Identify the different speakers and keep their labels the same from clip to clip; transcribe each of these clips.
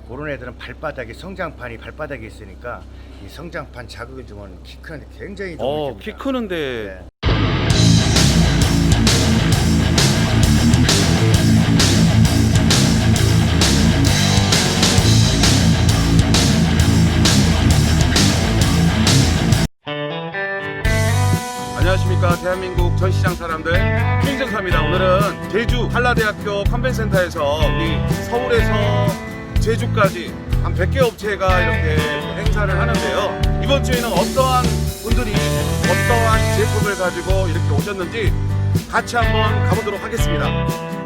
Speaker 1: 그런 애들은 발바닥에 성장판이 발바닥에 있으니까 이 성장판 자극을 주면 키 크는데 굉장히 도움이 됩니다.
Speaker 2: 키 크는데
Speaker 1: 네.
Speaker 2: 안녕하십니까, 대한민국 전시장 사람들, 김정사입니다. 오늘은 제주 한라대학교 컨벤센터에서 우리 서울에서 제주까지 한 100개 업체가 이렇게 행사를 하는데요. 이번 주에는 어떠한 분들이 어떠한 제품을 가지고 이렇게 오셨는지 같이 한번 가보도록 하겠습니다.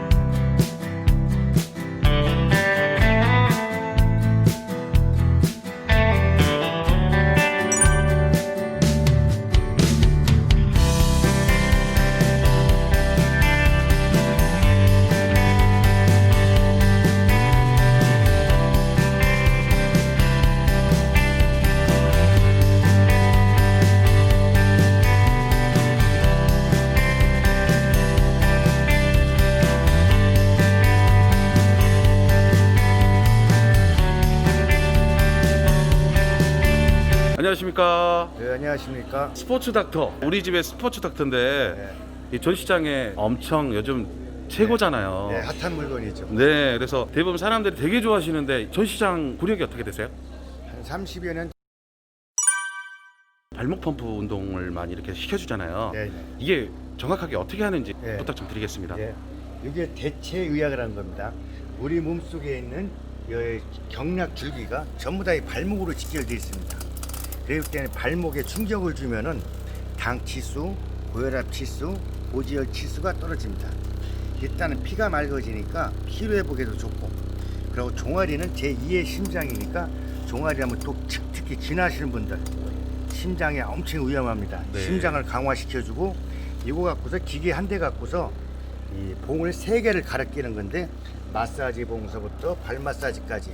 Speaker 2: 안녕하십니까.
Speaker 1: 네, 안녕하십니까.
Speaker 2: 스포츠 닥터, 우리 집의 스포츠 닥터인데
Speaker 1: 네.
Speaker 2: 이 전시장에 엄청 요즘 최고잖아요.
Speaker 1: 네, 핫한 물건이죠.
Speaker 2: 네, 그래서 대부분 사람들이 되게 좋아하시는데 전시장 구력이 어떻게 되세요?
Speaker 1: 한 30여 년.
Speaker 2: 발목 펌프 운동을 많이 이렇게 시켜주잖아요.
Speaker 1: 네, 네.
Speaker 2: 이게 정확하게 어떻게 하는지
Speaker 1: 네.
Speaker 2: 부탁 좀 드리겠습니다.
Speaker 1: 네. 이게 대체 의학이라는 겁니다. 우리 몸 속에 있는 이 경락 줄기가 전부 다 이 발목으로 직결되어 있습니다. 그렇기 때문에 발목에 충격을 주면은 당 치수, 고혈압 치수, 고지혈 치수가 떨어집니다. 일단은 피가 맑아지니까 피로 회복에도 좋고, 그리고 종아리는 제2의 심장이니까 종아리 하면 또 특히 지나시는 분들 심장에 엄청 위험합니다.
Speaker 2: 네.
Speaker 1: 심장을 강화시켜주고, 이거 갖고서 기계 한 대 갖고서 이 봉을 3개를 갈아 끼는 건데, 마사지 봉서부터 발 마사지까지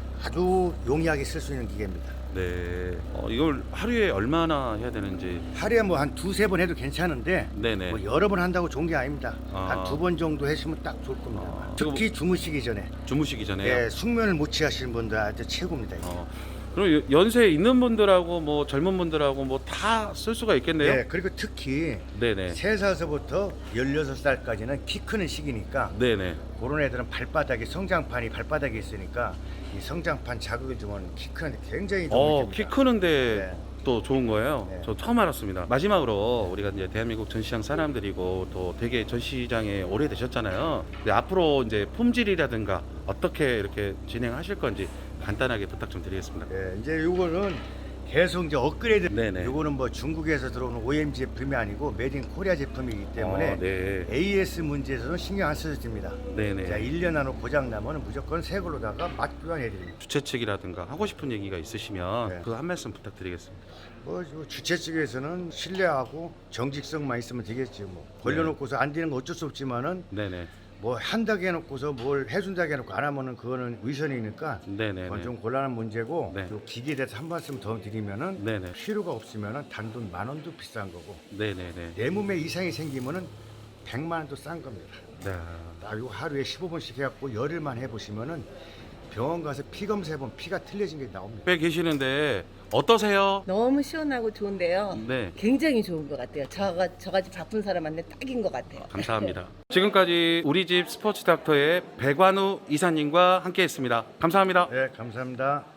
Speaker 1: 아주 용이하게 쓸 수 있는 기계입니다.
Speaker 2: 네. 이걸 하루에 얼마나 해야 되는지.
Speaker 1: 하루에 뭐 한 2-3번 해도 괜찮은데,
Speaker 2: 네네.
Speaker 1: 뭐 여러 번 한다고 좋은 게 아닙니다.
Speaker 2: 아.
Speaker 1: 한 2번 정도 하시면 딱 좋을 겁니다. 특히 주무시기 전에,
Speaker 2: 주무시기 전에요.
Speaker 1: 예, 숙면을 못 취하시는 분들한테 최고입니다. 이게.
Speaker 2: 그럼 연세 있는 분들하고 뭐 젊은 분들하고 뭐 다 쓸 수가 있겠네요.
Speaker 1: 네, 그리고 특히
Speaker 2: 네네.
Speaker 1: 3살서부터 16살까지는 키 크는 시기니까,
Speaker 2: 네네.
Speaker 1: 그런 애들은 발바닥에 성장판이 발바닥에 있으니까 이 성장판 자극을 주면 키 크는데 굉장히 도움이 됩니다.
Speaker 2: 키 크는데
Speaker 1: 네.
Speaker 2: 또 좋은 거예요.
Speaker 1: 네.
Speaker 2: 저 처음 알았습니다. 마지막으로 우리가 이제 대한민국 전시장 사람들이고 또 되게 전시장에 오래 되셨잖아요. 근데 앞으로 이제 품질이라든가 어떻게 이렇게 진행하실 건지 간단하게 부탁 좀 드리겠습니다.
Speaker 1: 네, 이제 요거는 계속 이제 업그레이드.
Speaker 2: 네네.
Speaker 1: 요거는 뭐 중국에서 들어오는 OEM 제품이 아니고 메이드 인 코리아 제품이기 때문에
Speaker 2: 네.
Speaker 1: AS 문제에서는 신경 안 써도 됩니다.
Speaker 2: 네네.
Speaker 1: 자, 1년 안으로 고장 나면 무조건 새 걸로다가 맛 교환해 드립니다.
Speaker 2: 주최 측이라든가 하고 싶은 얘기가 있으시면
Speaker 1: 네.
Speaker 2: 그 한 말씀 부탁드리겠습니다.
Speaker 1: 뭐 주최 측에서는 신뢰하고 정직성만 있으면 되겠지. 뭐 걸려놓고서 안 되는 거 어쩔 수 없지만은
Speaker 2: 네네.
Speaker 1: 뭐 한다고 해놓고서 뭘 해준다고 해놓고 안 하면은 그거는 위선이니까
Speaker 2: 네네네.
Speaker 1: 그건 좀 곤란한 문제고.
Speaker 2: 네.
Speaker 1: 요 기계에 대해서 한 말씀 더 드리면은,
Speaker 2: 네네.
Speaker 1: 필요가 없으면은 단돈 10,000원도 비싼 거고,
Speaker 2: 네네네.
Speaker 1: 내 몸에 이상이 생기면은 100만 원도 싼 겁니다.
Speaker 2: 네.
Speaker 1: 딱 요 하루에 15번씩 해갖고 열흘만 해보시면은 병원 가서 피 검사해보면 피가 틀려진 게 나옵니다.
Speaker 2: 옆에 계시는데 어떠세요?
Speaker 3: 너무 시원하고 좋은데요.
Speaker 2: 네.
Speaker 3: 굉장히 좋은 것 같아요. 저같이 바쁜 사람한테 딱인 것 같아요.
Speaker 2: 감사합니다. 지금까지 우리 집 스포츠 닥터의 백완우 이사님과 함께했습니다. 감사합니다.
Speaker 1: 네, 감사합니다.